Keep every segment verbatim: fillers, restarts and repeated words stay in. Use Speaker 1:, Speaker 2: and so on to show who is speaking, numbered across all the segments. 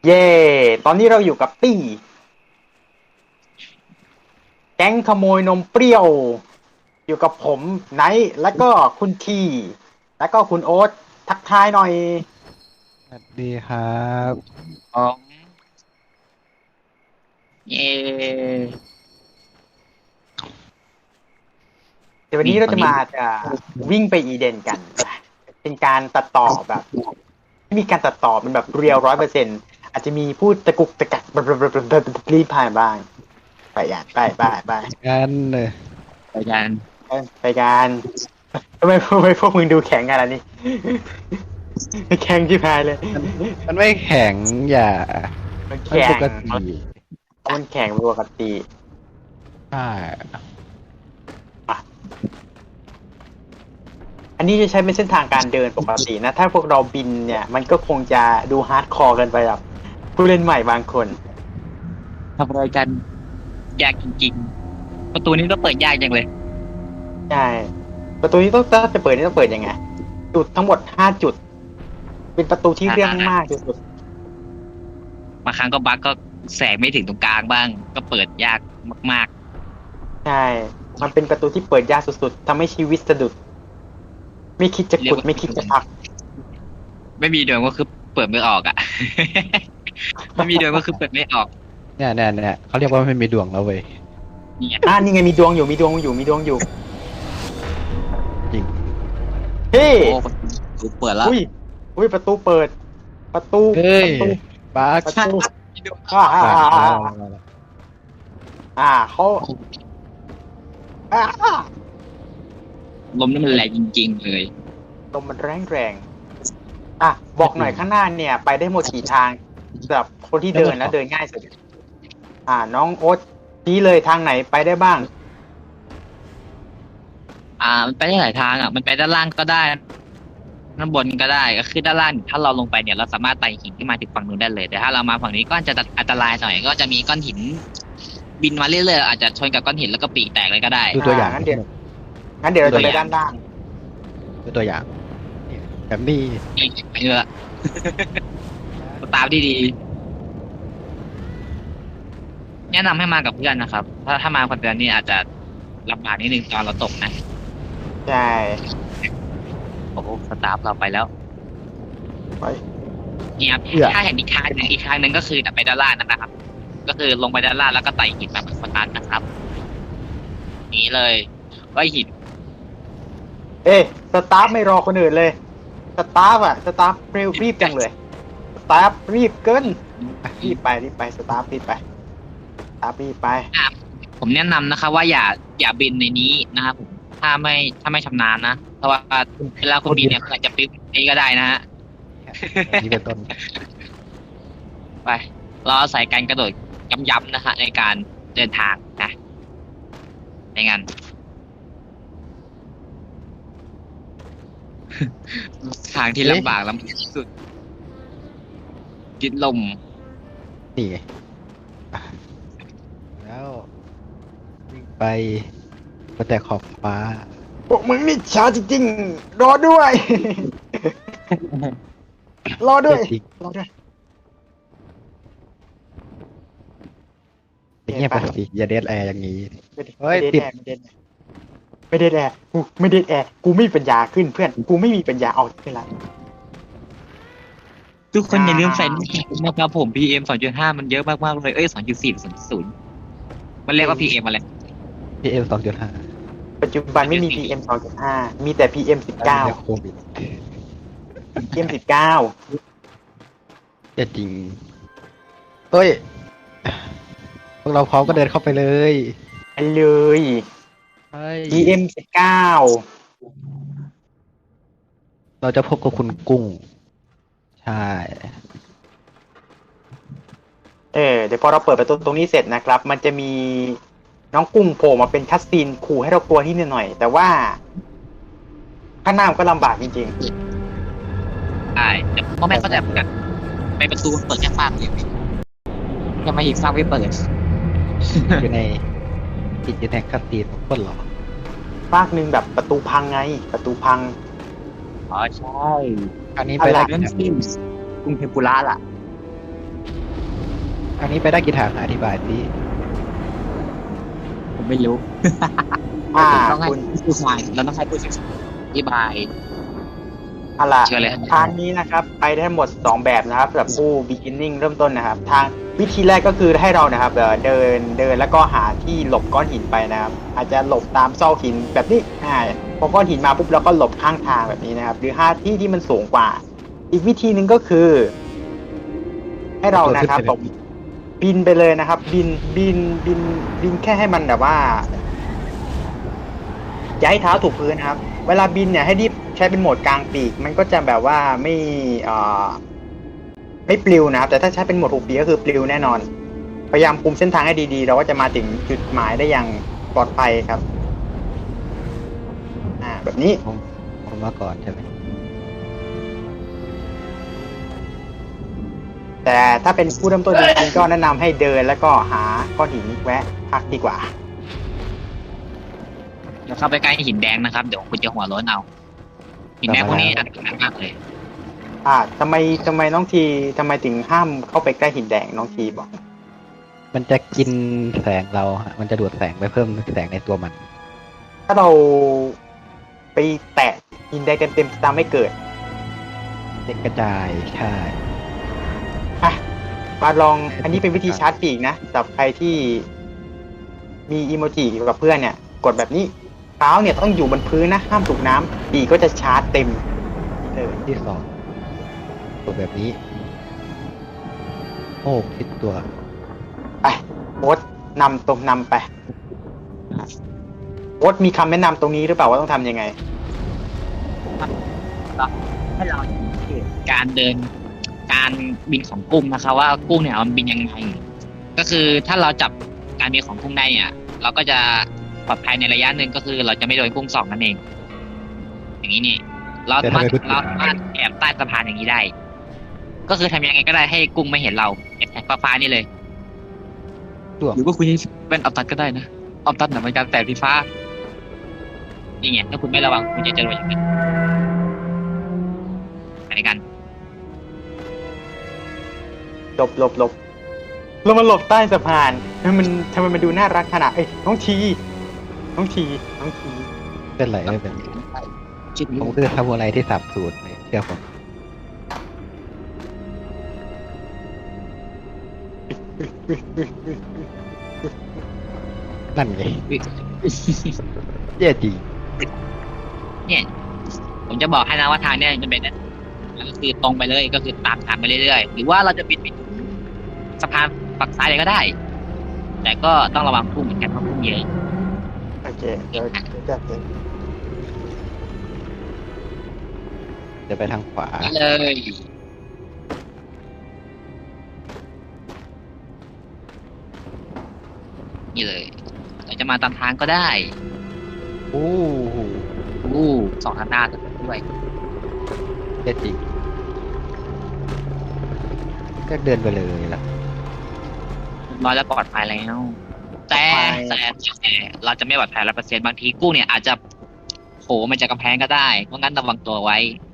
Speaker 1: เย่ตอนนี้เราอยู่กับตี้แก๊งขโมยนมเปรี้ยว อยู่กับผมไนท์แล้วก็คุณทีแล้วก็คุณโอ๊ตทักทายหน่อย
Speaker 2: สวัสดีครับ
Speaker 3: อ๋อเย่
Speaker 1: เดี๋ยววัน
Speaker 3: นี่
Speaker 1: นี้เรา
Speaker 3: ตอนนี้
Speaker 1: จะมาจะวิ่งไปอีเดนกัน เป็นการตัดต่อแบบไม่มีการตัดต่อเป็นแบบเรียลร้อยเปอร์เซ็นต์อาจจะมีพูดตะกุกตะกักรีบผ่านบ้าง ไปอ่ะไปไปไป
Speaker 2: กันเลย
Speaker 3: ไปกัน
Speaker 1: ไปกันทำไมทำไมพวกมึงดูแข็งกันล่ะนี่ แข็งชิบหายเลย
Speaker 2: มันมันไม่แข็งอย่า
Speaker 1: มัน
Speaker 2: มัน
Speaker 1: แข็
Speaker 2: ป
Speaker 1: ง
Speaker 2: กติ
Speaker 1: มันแข็งปกติ
Speaker 2: ใช่
Speaker 1: อันนี้จะใช้เป็นเส้นทางการเดินปกตินะ ถ้าพวกเราบินเนี่ย มันก็คงจะดูฮาร์ดคอร์กันไปแบบผู้เล่นใหม่บางคน
Speaker 3: ทำอะไรกันยากจริงๆประตูนี้ก็เปิดยากจังเลย
Speaker 1: ใช่ ประตูนี้ต้องถ้าจะเปิดนี่ต้องเปิดยังไง จุดทั้งหมดห้าจุด เป็นประตูที่เรื่องมากที่สุด
Speaker 3: บางครั้งก็บั๊กก็แสงไม่ถึงตรงกลางบ้าง ก็เปิดยากมาก
Speaker 1: ใช่ มันเป็นประตูที่เปิดยากสุดๆทำให้ชีวิตสะดุด ไม่คิดจะขุดไม่คิดจะพัก
Speaker 3: ๆไม่มีดวงก็คือเปิดไม่ออกอ่ะ ไม่มีดวงก็คือเปิดไม่ออก
Speaker 2: เนี่ยเนี่ยเนี่ยเขาเรียกว่าไม่มีดวงแล้วเว้ย
Speaker 3: นี่ไง
Speaker 1: อ่านี่ไงมีดวงอยู่มีดวงอยู่มีดวงอยู่
Speaker 2: จริง
Speaker 1: เฮ้
Speaker 3: โอ้ประตูเปิดแล้ว
Speaker 1: อุ้ยอุ้ยประตูเปิด ประตู
Speaker 2: เฮ้ย
Speaker 1: ประตู
Speaker 2: บัก
Speaker 1: ประตูอ่าอ่าอ่าอ่าอ่าเขาอ่า
Speaker 3: ลมนี่มันแรงจริงๆเลย
Speaker 1: ลมมันแรงแรงอ่ะบอกหน่อยข้างหน้าเนี่ย ไปได้หมดกี่ทางสำหรับคนที่เดินแล้วเดินง่ายสุดอ่า น้องโอ๊ตชี้เลยทางไหนไปได้บ้าง
Speaker 3: อ่ามันไปได้หลายทางอ่ะมันไปด้านล่างก็ได้ด้านบนก็ได้ก็คือด้านล่างถ้าเราลงไปเนี่ยเราสามารถไต่หินที่มาถึงฝั่งนู้นได้เลยแต่ถ้าเรามาฝั่งนี้ก็จะอันตรายหน่อยก็จะมีก้อนหิน บินมาเรื่อยๆอาจจะชนกับก้อนหินแล้วก็ปีกแตกเลยก็ได้
Speaker 2: ดูตัวอย่าง
Speaker 1: งั้นเดี๋ยวงั้นเดี๋ยวเราจะไปด้านล่าง
Speaker 2: ดูตัวอย่างเนี่ยแบบนี้
Speaker 3: ไปเถอะตามดีๆแนะนำให้มากับเพื่อนนะครับถ้าถ้ามาคนเดียวนี่อาจจะลำบากนิดนึงตอนเราตกนะ
Speaker 1: ใช่
Speaker 3: โอ้โหสตาฟเราไปแล้ว
Speaker 1: ไป
Speaker 3: เนี่ยครับถ้าเห็นอีกทางหนึ่งอีกทางหนึ่งก็คือไปด้านล่างนะครับ ก็คือลงไปด้านล่างแล้วก็ไต่หินแบบสตาร์ทนะครับนี้เลยว่าหิน
Speaker 1: เอ๊ะสตาฟไม่รอคนอื่นเลย สตาฟอะสตาฟเร็วรีบจังเลย สตาฟรีบเกินรีบไปรีบไปสตาฟรีบไปสตาฟรีบไป
Speaker 3: ผมแนะนำนะครับว่าอย่าอย่าบินในนี้นะครับผมถ้าไม่ถ้าไม่ชำนาญนะเพราะว่าเวลาคุณบินเนี่ยอาจจะปิ๊บนี้ก็ได้นะฮะ
Speaker 2: นี่เป็นต้น
Speaker 3: ไปเราอาศัยการกระโดดย้ำๆนะฮะในการเดินทางนะในงาน ทางที่ลำบากลำบากที่สุดกินลม
Speaker 2: นี่ไงอ่ะแล้ววิ่งไปบนแต่ขอบฟ้า
Speaker 1: พวกมึงนี่ช้าจริงๆ รอด้วย รอด้วย
Speaker 2: จริง
Speaker 1: รอด้วย
Speaker 2: อย่างเงี้ยไปสิอย่าเดดแอร์อย่างนี้
Speaker 1: ไม่ได้
Speaker 2: เฮ้ย
Speaker 1: ไม่
Speaker 2: ติ
Speaker 1: ได้
Speaker 2: ด
Speaker 1: แอร์ไม่ได้แอร์กูไม่ได้แอร์กูไม่มีปัญญาขึ้นเพื่อน กูไม่มีปัญญาเอาขึ้นละ
Speaker 3: ทุกคนอย่าลืมใส่
Speaker 1: อ่า
Speaker 3: หน้ากากนะครับผม พี เอ็ม สองจุดห้า มันเยอะมากๆเลย เอ้ย สองจุดสี่ สองจุดศูนย์ มันเรียกว่า พี เอ็ม อะไร
Speaker 2: พี เอ็ม สองจุดห้า
Speaker 1: ปัจจุบันไม่มี พี เอ็ม สองจุดห้า มีแต่ พี เอ็ม สิบเก้า
Speaker 2: โควิด
Speaker 1: พี เอ็ม สิบเก้า
Speaker 2: จะจริงเฮ้ยพวกเราพร้อมก็เดินเข้าไปเลย
Speaker 1: ไปเลย
Speaker 2: เฮ้ย
Speaker 1: พี เอ็ม สิบเก้า
Speaker 2: เราจะพบกับคุณกุ้ง ใช่
Speaker 1: เออเดี๋ยวพอเราเปิดประตูตรงนี้เสร็จนะครับ มันจะมีน้องกุ้งโผล่มาเป็นคัสซีนขู่ให้เรากลัวนิดหน่อย แต่ว่าข้างหน้ามันก็ลำบากจริง
Speaker 3: ใช่แต่พ่อแม่เข้าใจเหมือนกันไปประตูเปิดแค่ฝั่งเดียวทำไมอีกฝั่งไม่เปิด
Speaker 2: อยู่ในติดอยู่ในคัสตีนของคนเหรอ
Speaker 1: ๆภาคหนึ่งแบบประตูพังไง ประตูพัง
Speaker 3: อ๋อใช่
Speaker 2: อันนี้
Speaker 1: อะ
Speaker 2: ไป
Speaker 1: ไร
Speaker 2: ได้
Speaker 3: เรื่องที่กรุงเทมปุระล่ะ
Speaker 2: ทางนี้ไปได้กี่ทางอธิบายสิ
Speaker 3: ผมไม่รู้
Speaker 1: อ่า
Speaker 3: ต้องให้
Speaker 1: คุณ
Speaker 3: ผู้ชายเราต้องให้ผู้ชายอธิบาย
Speaker 1: อะไร
Speaker 3: เชิญเลยครับ
Speaker 1: ทางนี้นะครับ ไปได้ทั้งหมดสองแบบนะครับสำหรับผู้ beginning เริ่มต้นนะครับ ทางวิธีแรกก็คือให้เรานะครับเอ่อเดินเดินแล้วก็หาที่หลบก้อนหินไปนะครับ อาจจะหลบตามซอกหินแบบนี้อ่าพอก้อนหินมาปุ๊บเราก็หลบข้างทางแบบนี้นะครับ หรือหาที่ที่มันสูงกว่า อีกวิธีหนึ่งก็คือ ให้เรานะครับตกบินไปเลยนะครับ บินบินบินบินแค่ให้มันแบบว่าอย่าให้เท้าถูกพื้นนะครับ เวลาบินเนี่ยให้รีบใช้เป็นโหมดกลางปีก มันก็จะแบบว่าไม่เอ่อไม่ปลิวนะครับ แต่ถ้าใช้เป็นโหมดหุบปีกก็คือปลิวแน่นอน พยายามคุมเส้นทางให้ดีๆ เราก็จะมาถึงจุดหมายได้อย่างปลอดภัยครับ อ่า แบบนี้
Speaker 2: ผมผมมาก่อนใช่ไหม
Speaker 1: แต่ถ้าเป็นผู้เริ่มต้นจริงๆก็แนะนำให้เดินแล้วก็หาก้อนหินแวะพักดีกว่า
Speaker 3: อย่าเข้าไปใกล้หินแดงนะครับเดี๋ยวคุณจะหัวโล้นเอาหินแดงพวกนี้อันตรายมากเลย
Speaker 1: อ่าทำไมทำไมน้องทีทำไมถึงห้ามเข้าไปใกล้หินแดงน้องทีบอก
Speaker 2: มันจะกินแสงเราฮะมันจะดูดแสงไปเพิ่มแสงในตัวมัน
Speaker 1: ถ้าเราไปแตะหินแดงเต็มๆจะทำให้เกิด
Speaker 2: เด็กกระจายใช่
Speaker 1: อ่ะมาลองอันนี้เป็นวิธีชาร์จปีกนะสำหรับใครที่มีอีโมจิอยู่กับเพื่อนเนี่ย กดแบบนี้เท้าเนี่ยต้องอยู่บนพื้นนะห้ามถูกน้ำปีกก็จะชาร์จเต็มเลย
Speaker 2: ที่สองตัวแบบนี้ โอ้คิดตัว
Speaker 1: ไปโอ๊ตนำตรงนำไปโอ๊ตมีคำแนะนำตรงนี้หรือเปล่าว่าต้องทำยังไง
Speaker 3: ให้เราการเดินการบินของกุ้งนะคะว่ากุ้งเนี่ยมันบินยังไงก็คือถ้าเราจับการบินของกุ้งได้เนี่ย เราก็จะปลอดภัยในระยะหนึ่งก็คือเราจะไม่โดนกุ้งสองนั่นเอง อย่างนี้นี่ เราสามารถเราสามารถแอบใต้สะพานอย่างนี้ได้ ก็คือทำยังไงก็ได้ให้กุ้งไม่เห็นเราไอ้แท็กฟ้าๆนี่เลย
Speaker 2: ตัว
Speaker 3: หรือว่าคุณจะเป็นออฟตัดก็ได้นะออฟตัดเนี่ยมันการแสงสีฟ้านี่ไงถ้าคุณไม่ระวังคุณจะเจออย่างนั้นอะไรกัน
Speaker 1: หลบหลบหลบเรามาหลบใต้สะพานทำไมมันทำไมมันดูน่ารักขนาดเอ้ยน้องทีน้องทีน้องที
Speaker 2: เป็นไรไม่เป็น
Speaker 3: คิด
Speaker 2: ผมคือทำอะไรที่สับสูตรเลยเชื่อผมนั่นไงเย่ดี
Speaker 3: เนี่ย ผมจะบอกให้นะว่าทางเนี่ยมันเป็นก็คือตรงไปเลยก็คือตามทางไปเรื่อยๆหรือว่าเราจะบินไปถึงสะพานฝั่งซ้ายเลยก็ได้ แต่ก็ต้องระวังพุ่งเหมือนกันเพราะพุ่งเยอะ
Speaker 1: โอเคเดี๋ยวเดี๋ยวจัดเลย
Speaker 2: จะไปทางขวา
Speaker 3: เลย นี่เลยเราจะมาตามทางก็ได้
Speaker 2: โอ้โห
Speaker 3: อู้สองทางหน้าด้วย
Speaker 2: เย่จริงก็เดินไปเลยล่ะ
Speaker 3: น้อยแล้วปลอดภัยแล้ว แต่แต่แต่เราจะไม่ปลอดภัยร้อยเปอร์เซ็นต์บางทีกุ้งเนี่ยอาจจะโผล่มาจากกำแพงก็ได้ เพราะงั้นระวังตัวไว้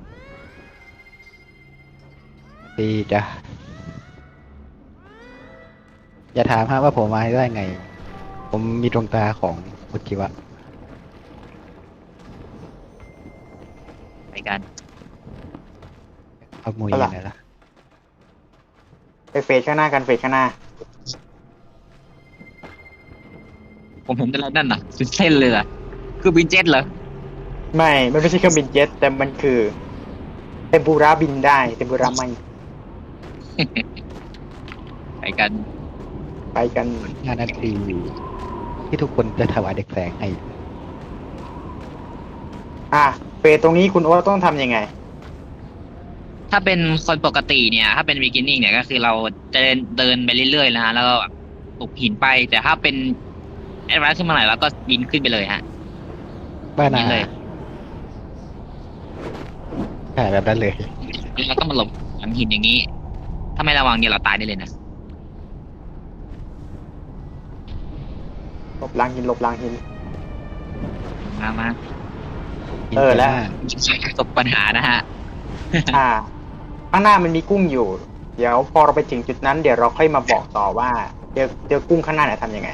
Speaker 2: ดีจ้ะอย่าถามฮะว่าผมมาได้ไง ผมมีดวงตาของอุจิวะ
Speaker 3: ไปกัน
Speaker 2: เอามวยยังไงล่ะ
Speaker 1: ไปเฟสข้างหน้ากันเฟสข้างหน้า
Speaker 3: ผมเห็นอะไรนั่นน่ะเป็นเส้นเลยอะคือบินเจ็ตเหรอ
Speaker 1: ไม่มันไม่ใช่เครื่องบินเจ็ตแต่มันคือเทมปุระบินได้เทมปุระไม่
Speaker 3: ไปกัน
Speaker 1: ไปกัน
Speaker 2: ห้านาทีที่ทุกคนจะถวายเด็กแสงให้
Speaker 1: อ่ะเฟสตรงนี้คุณโอ๊ตต้องทำยังไง
Speaker 3: ถ้าเป็นคนปกติเนี่ย ถ้าเป็น beginning เนี่ยก็คือเราจะเดินเดินไปเรื่อยๆนะฮะแล้วก็ปลุกหินไป แต่ถ้าเป็น advance ขึ้นมาหน่อยเราก็บินขึ้นไปเลยฮะ
Speaker 2: บ้านนา
Speaker 3: นี่เลย
Speaker 2: ใช่แบบนั้นเลย
Speaker 3: แล้วก็มาหลบหลังหินอย่างนี้ ถ้าไม่ระวังเนี่ยเราตายได้เลยนะ
Speaker 1: หลบหลังหินหลบหลังหิน
Speaker 3: มามา
Speaker 1: เออแล้ว
Speaker 3: ใช้ประสบปัญหานะฮะ
Speaker 1: อ่า ข้างหน้ามันมีกุ้งอยู่เดี๋ยวพอเราไปถึงจุดนั้นเดี๋ยวเราค่อยมาบอกต่อว่าเจอเจอกุ้งข้างหน้าเนี่ยทำยังไง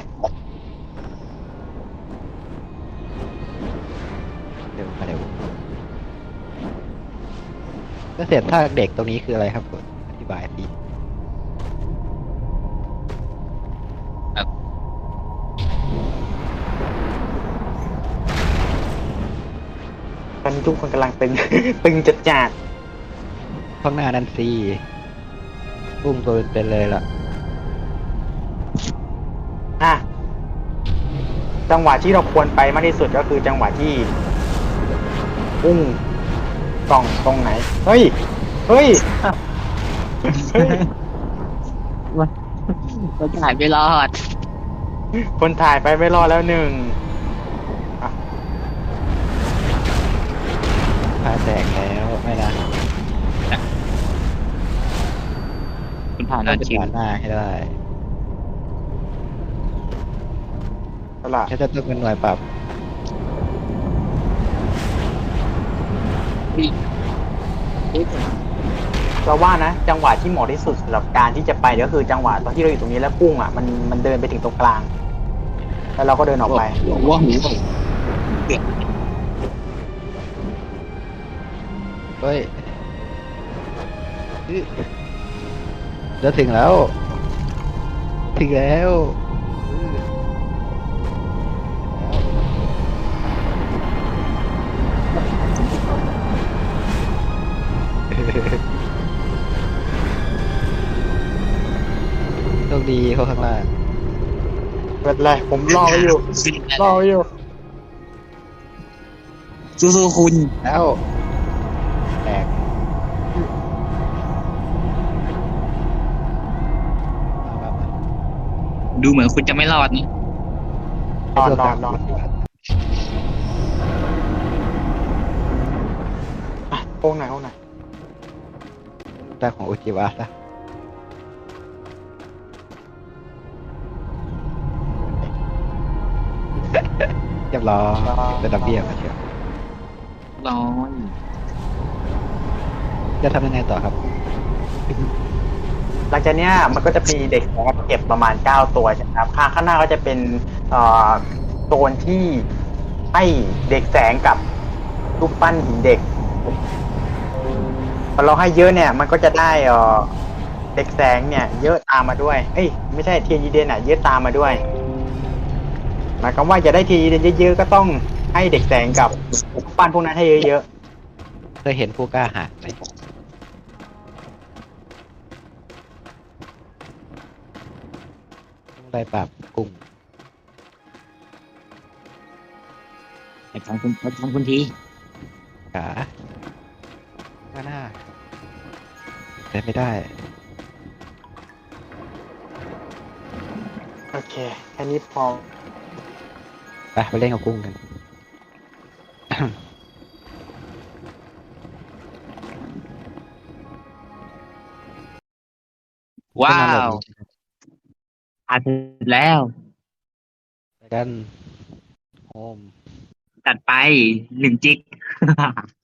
Speaker 2: เร็วมาเร็วก็เสร็จท่าเด็กตรงนี้คืออะไรครับผมอธิบายสิ
Speaker 1: ตอนนี้ทุกคนกำลังตึง ตึงจัดจัด
Speaker 2: ข้างหน้านั่นสิกุ้งตัวเป็นๆเลยล่ะ
Speaker 1: ๆอ่ะจังหวะที่เราควรไปมากที่สุดก็คือจังหวะที่กุ้งกล่องตรงไหน เฮ้ย เฮ้ยเฮ้ย
Speaker 3: มันถ่ายไม่รอด
Speaker 1: คนถ่ายไปไม่รอดแล้วหนึ่ง
Speaker 2: พาแตกแล้วไม่นะ
Speaker 3: คุณผ่าน
Speaker 2: เรา
Speaker 3: แล้ว
Speaker 2: จะ
Speaker 3: ชิว
Speaker 2: ผ่านหน้าให้ได้
Speaker 1: เอาล่ะ
Speaker 2: แค่จะต้องเป็นหน่วยปรับ
Speaker 1: เราว่านะจังหวะที่เหมาะที่สุดสำหรับการที่จะไปก็คือจังหวะตอนที่เราอยู่ตรงนี้แล้วกุ้งอ่ะมันมันเดินไปถึงตรงกลาง แล้วเราก็เดินออกไป
Speaker 3: ว้าว
Speaker 2: เฮ้ยอื้อจะถึงแล้ว ถึงแล้วอื้อโชคดีเขาข้างล่าง
Speaker 1: เป็นไรผมรอไว้อยู่ รอไว้อยู่
Speaker 3: สู้ๆคุณ
Speaker 2: แล้วแตกมามามา
Speaker 3: ดูเหมือนคุณจะไม่รอดนี่
Speaker 1: นอนนอนนอนอ่ะโค้งไหนอยโค้งไหนอย
Speaker 2: ได้ของโอจิวะซะเรียบร้อยเป็นระเบียบมาเชียว
Speaker 3: ร้อย
Speaker 2: จะทำยังไงต่อครับ
Speaker 1: หลังจากเนี้ยมันก็จะมีเด็กนะครับเก็บประมาณเก้าตัวใช่ไหมครับข้างข้างหน้าก็จะเป็นเอ่อโซนที่ให้เด็กแสงกับรูปปั้นหินเด็กพอเราให้เยอะเนี่ยมันก็จะได้เอ่อเด็กแสงเนี่ย เยอะตามมาด้วย เอ้ยไม่ใช่เทียนยีเดนอ่ะเยอะตามมาด้วยหมายความว่าจะได้เทียนยีเดนเยอะๆก็ต้องให้เด็กแสงกับรูปปั้นพวกนั้นให้เยอะ
Speaker 2: เคยเห็นผู้กล้าหาญไหมต้องได้ปราบกุ้ง
Speaker 3: ไอ้ทางคุณไอ้ทางคุณที
Speaker 2: ขาข้างหน้าแต่ไม่ได้
Speaker 1: ๆโอเคแค่นี้พอ
Speaker 2: ไปไปเล่นกับกุ้งกัน
Speaker 3: ว้าวผ่านแล้ว
Speaker 2: ไปกันโฮม
Speaker 3: จัดไปหนึ่งจิก